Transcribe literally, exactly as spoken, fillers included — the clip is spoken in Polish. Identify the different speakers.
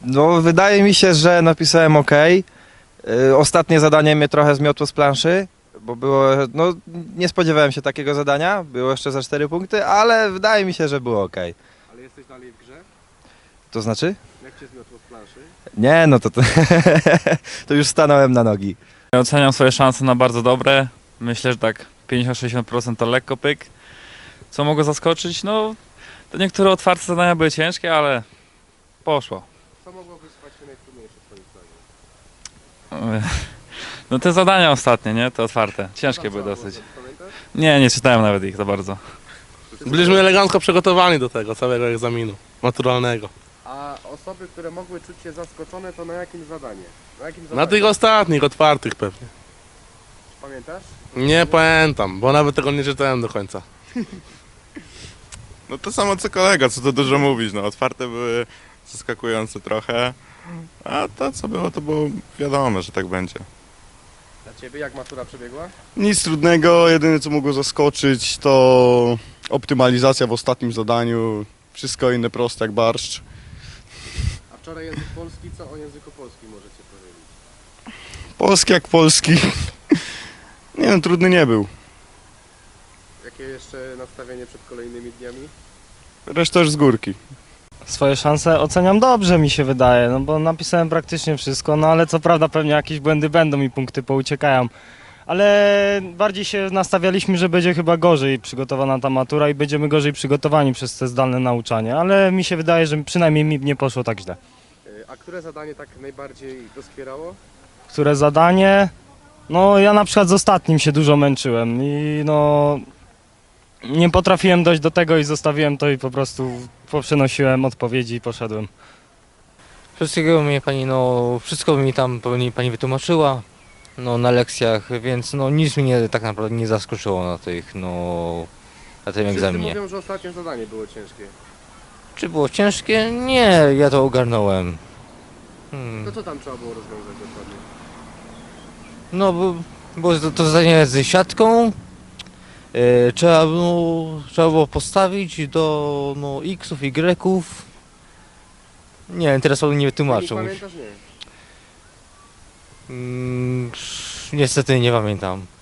Speaker 1: No, wydaje mi się, że napisałem ok. Y, Ostatnie zadanie mnie trochę zmiotło z planszy, bo było, no nie spodziewałem się takiego zadania, było jeszcze za cztery punkty, ale wydaje mi się, że było ok.
Speaker 2: Ale jesteś dalej w grze?
Speaker 1: To znaczy?
Speaker 2: Jak cię zmiotło z planszy?
Speaker 1: Nie, no to, to, to już stanąłem na nogi.
Speaker 3: Oceniam swoje szanse na bardzo dobre. Myślę, że tak pięćdziesiąt do sześćdziesięciu procent to lekko pyk. Co mogło zaskoczyć? No, to niektóre otwarte zadania były ciężkie, ale poszło.
Speaker 2: Co mogło wysłać się najtrudniejsze twoim zdaniem?
Speaker 3: No te zadania ostatnie, nie? Te otwarte. Ciężkie były dosyć. Nie, nie czytałem nawet ich za bardzo.
Speaker 4: Byliśmy elegancko przygotowani do tego całego egzaminu maturalnego.
Speaker 2: A osoby, które mogły czuć się zaskoczone, to na jakim zadanie? Na jakim
Speaker 4: Na
Speaker 2: zadaniu?
Speaker 4: tych ostatnich, otwartych pewnie.
Speaker 2: Pamiętasz?
Speaker 4: Nie pamiętam, bo nawet tego nie czytałem do końca.
Speaker 5: No to samo co kolega, co to dużo mówić, no otwarte były zaskakujące trochę, a to co było, to było wiadomo, że tak będzie.
Speaker 2: Dla ciebie jak matura przebiegła?
Speaker 6: Nic trudnego, jedyne co mogło zaskoczyć to optymalizacja w ostatnim zadaniu. Wszystko inne proste jak barszcz.
Speaker 2: A wczoraj język polski, co o języku polskim możecie powiedzieć?
Speaker 6: Polski jak polski. Nie wiem, trudny nie był.
Speaker 2: Jakie jeszcze nastawienie przed kolejnymi dniami?
Speaker 6: Reszta już z górki.
Speaker 7: Swoje szanse oceniam dobrze, mi się wydaje, no bo napisałem praktycznie wszystko, no ale co prawda pewnie jakieś błędy będą i punkty pouciekają. Ale bardziej się nastawialiśmy, że będzie chyba gorzej przygotowana ta matura i będziemy gorzej przygotowani przez te zdalne nauczanie, ale mi się wydaje, że przynajmniej mi nie poszło tak źle.
Speaker 2: Y, A które zadanie tak najbardziej doskwierało?
Speaker 7: Które zadanie? No ja na przykład z ostatnim się dużo męczyłem i no nie potrafiłem dojść do tego i zostawiłem to i po prostu poprzenosiłem odpowiedzi i poszedłem.
Speaker 8: Wszystkiego mnie pani, no, wszystko mi tam pani, pani wytłumaczyła, no, na lekcjach, więc no nic mnie tak naprawdę nie zaskoczyło na tych, no, na tym
Speaker 2: Wszyscy
Speaker 8: egzaminie.
Speaker 2: mówią, że ostatnie zadanie było ciężkie.
Speaker 8: Czy było ciężkie? Nie, ja to ogarnąłem. Hmm.
Speaker 2: To co tam trzeba było rozwiązać dokładnie?
Speaker 8: No, bo, bo to, to zadanie z siatką, e, trzeba, no, trzeba było postawić do, no, xów, y'ów. Nie wiem, teraz pan nie
Speaker 2: Nie
Speaker 8: wytłumaczył.
Speaker 2: pamiętasz? Nie.
Speaker 8: Mm, niestety nie pamiętam.